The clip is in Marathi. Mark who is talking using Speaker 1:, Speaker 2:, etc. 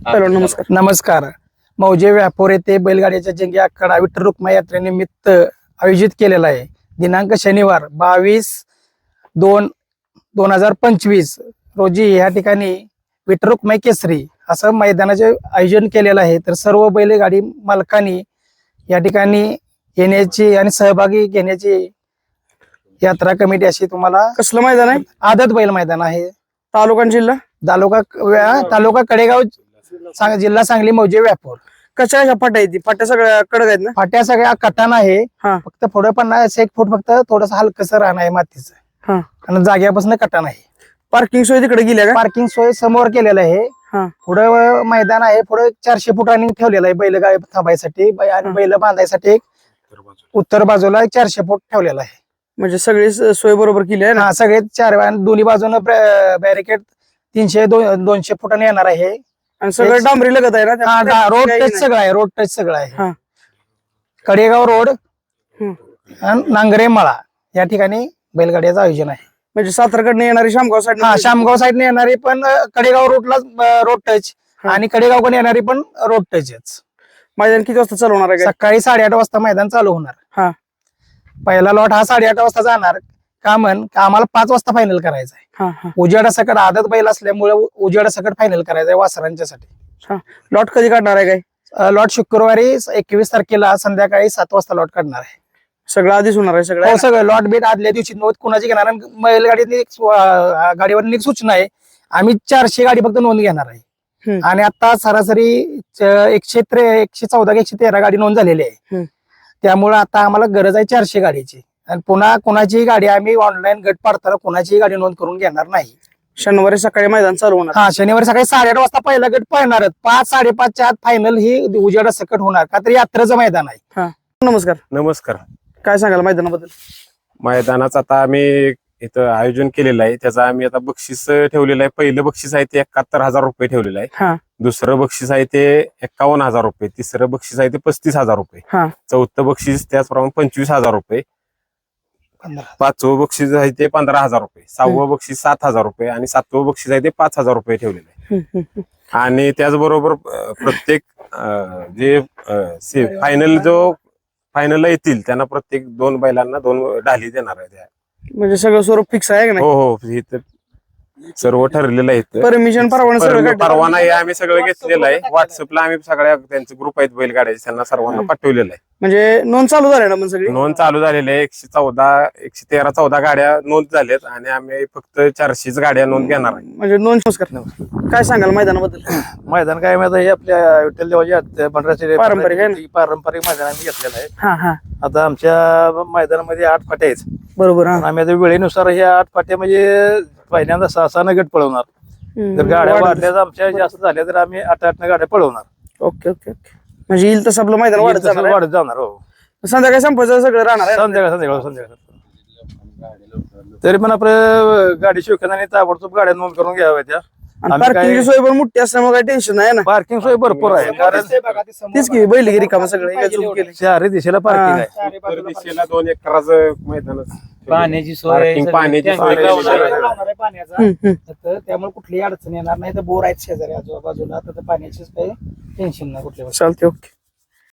Speaker 1: हॅलो, नमस्कार.
Speaker 2: नमस्कार. मौजे व्यापोर येथे बैलगाड्याच्या जंगी आखाडा विठ्ठल रुक्मा यात्रेनिमित्त आयोजित केलेला आहे. दिनांक शनिवार 22/2/2025 रोजी या ठिकाणी विठ्ठल रुक्माई केसरी असं मैदानाचे आयोजन केलेलं आहे. तर सर्व बैलगाडी मालकांनी या ठिकाणी येण्याची आणि सहभागी घेण्याची यात्रा कमिटी अशी तुम्हाला.
Speaker 1: कसलं मैदान आहे?
Speaker 2: आदत बैल मैदान आहे.
Speaker 1: तालुका आणि जिल्हा?
Speaker 2: तालुका कडेगाव, जिल्हा सांगली, मौजे व्यापोर.
Speaker 1: कशा फाट्या आहेत? फाट्या सगळ्या कडक आहेत ना?
Speaker 2: फाट्या सगळ्या कटान आहे.
Speaker 1: हा.
Speaker 2: फक्त पुढे 50-1 फूट फक्त थोडस हलकस रान आहे मातीचं.
Speaker 1: हा.
Speaker 2: आणि जाग्यापासून कटान आहे.
Speaker 1: पार्किंग सोय तिकडे गेल्या का?
Speaker 2: पार्किंग सोय समोर केलेलं आहे.
Speaker 1: हा.
Speaker 2: पुढे मैदान आहे. पुढे 400 फुटांनी ठेवलेलं आहे बैलगाडी थांबायसाठी आणि बैल बांधायसाठी. एक उत्तर बाजूला 400 फूट ठेवलेला आहे.
Speaker 1: म्हणजे सगळी सोय बरोबर केली आहे ना?
Speaker 2: हा, सगळे दोन्ही बाजूने बॅरिकेड 300-200 फुटांनी येणार आहे.
Speaker 1: आणि सगळं डांबरी लगत आहे ना?
Speaker 2: रोड टच सगळं आहे. रोड टच सगळं आहे.
Speaker 1: हा.
Speaker 2: कडेगाव रोड आणि नांगरे मळा या ठिकाणी बैलगाड्याचं आयोजन आहे.
Speaker 1: म्हणजे सातारकडनं येणारी शामगाव साईड?
Speaker 2: हा, शामगाव साईडने येणारी पण कडेगाव रोडला रोड टच आणि कडेगावकडे येणारी पण रोड टचच.
Speaker 1: मैदान किती वाजता चालवणार आहे?
Speaker 2: सकाळी 8:30 वाजता मैदान चालू होणार.
Speaker 1: हा.
Speaker 2: पहिला लॉट हा 8:30 वाजता जाणार. आम्हाला 5 वाजता फायनल करायचं आहे. उजेडा सकट आदत बैल असल्यामुळे उजेडा सकट फायनल करायचं आहे वासरांच्यासाठी.
Speaker 1: लॉट कधी काढणार आहे काय?
Speaker 2: लॉट शुक्रवारी 21 तारखेला संध्याकाळी 7 वाजता लॉट काढणार आहे.
Speaker 1: सगळं आधीच होणार आहे? सगळं
Speaker 2: हो, सगळं लॉट बीट आदल्या दिवशी नोंद कुणाची घेणार. बैलगाडी गाडीवर एक सूचना आहे. आम्ही 400 गाडी फक्त नोंद घेणार आहे. आणि आता सरासरी 114-113 गाडी नोंद झालेली आहे. त्यामुळे आता आम्हाला गरज आहे 400 गाडीची. आणि पुन्हा कोणाची गाडी आम्ही ऑनलाईन गट पाडताना कोणाची गाडी नोंद करून घेणार नाही.
Speaker 1: शनिवारी सकाळी मैदान चालू होणार?
Speaker 2: हा, शनिवारी सकाळी 8:30 वाजता पहिला गट पळणार. 5-5:30च्या आत फायनल ही उजेडा सकट होणार. का तर यात्रेचं मैदान आहे.
Speaker 1: नमस्कार.
Speaker 3: नमस्कार.
Speaker 1: काय सांगाल मैदानाबद्दल?
Speaker 3: मैदानाचं आता आम्ही इथं आयोजन केलेलं आहे. त्याचं आम्ही आता बक्षीस ठेवलेलं आहे. पहिलं बक्षीस आहे ते 71,000 रुपये ठेवलेलं आहे. दुसरं बक्षीस आहे ते 51,000 रुपये. तिसरं बक्षीस आहे ते 35,000 रुपये. चौथं बक्षीस त्याचप्रमाणे 25,000 रुपये. 5वं बक्षीस आहे ते 15,000 रुपये. 6वं बक्षीस 7,000 रुपये आणि 7वं बक्षीस आहे ते 5,000 रुपये ठेवलेलं आहे. आणि त्याचबरोबर प्रत्येक जे फायनलला येतील त्यांना प्रत्येक 2 बैलांना 2 ढाली देणार आहे.
Speaker 1: म्हणजे सगळं स्वरूप फिक्स आहे का?
Speaker 3: हो, हे तर सर्व ठरलेलं आहे.
Speaker 1: परमिशन
Speaker 3: परवाना हे आम्ही सगळं घेतलेलं आहे. व्हॉट्सअपला आम्ही सगळ्या त्यांचे ग्रुप आहेत बैलगाड्याचे, त्यांना सर्वांना पाठवलेलं आहे.
Speaker 1: म्हणजे नोंद चालू झाली ना? सगळी
Speaker 3: नोंद चालू झालेली आहे. 113-114 गाड्या नोंद झाल्यात आणि आम्ही फक्त 400 गाड्या नोंद घेणार आहे.
Speaker 1: म्हणजे नोंद काय सांगाल मैदानाबद्दल?
Speaker 4: मैदान काय माहिती हे आपल्या विठ्ठल देवाच्या भंडाराचे
Speaker 1: पारंपरिक
Speaker 4: मैदान आम्ही घेतलेलं आहे.
Speaker 1: हा.
Speaker 4: आता आमच्या मैदानामध्ये 8 फाट्या आहेत.
Speaker 1: बरोबर.
Speaker 4: आम्ही आता वेळेनुसार ह्या 8 फाट्या म्हणजे पहिल्यांदा 6 गट पळवणार. जर गाड्या वाढल्या आमच्या जास्त झाल्या तर आम्ही 8 गाड्या पळवणार.
Speaker 1: ओके. म्हणजे येईल तसं आपलं मैदान वाढत
Speaker 4: जाणार. हो,
Speaker 1: संध्याकाळी संपायचं सगळं राहणार आहे?
Speaker 4: संध्याकाळ तरी पण आपलं गाडी शिवखाना ताबडतोब गाड्या नोंद करून घ्याव्या. त्या
Speaker 1: पार्किंगची सोय पण मोठी असल्यामुळे काही टेन्शन नाही ना?
Speaker 4: पार्किंग सोय भरपूर आहे.
Speaker 1: तीच की बैलगिरी कामं सगळं
Speaker 4: चारही दिशेला पार्किंग आहे.
Speaker 3: उत्तर दिशेला 2 एकराचं मैदान,
Speaker 5: पाण्याची सोय,
Speaker 3: पाण्याची सोय.
Speaker 2: त्यामुळे कुठलीही अडचण येणार नाही. तर बोर आहेत शेजारी आजूबाजूला. तर पाण्याचीच काही टेन्शन नाही कुठल्या.
Speaker 1: चालते. ओके.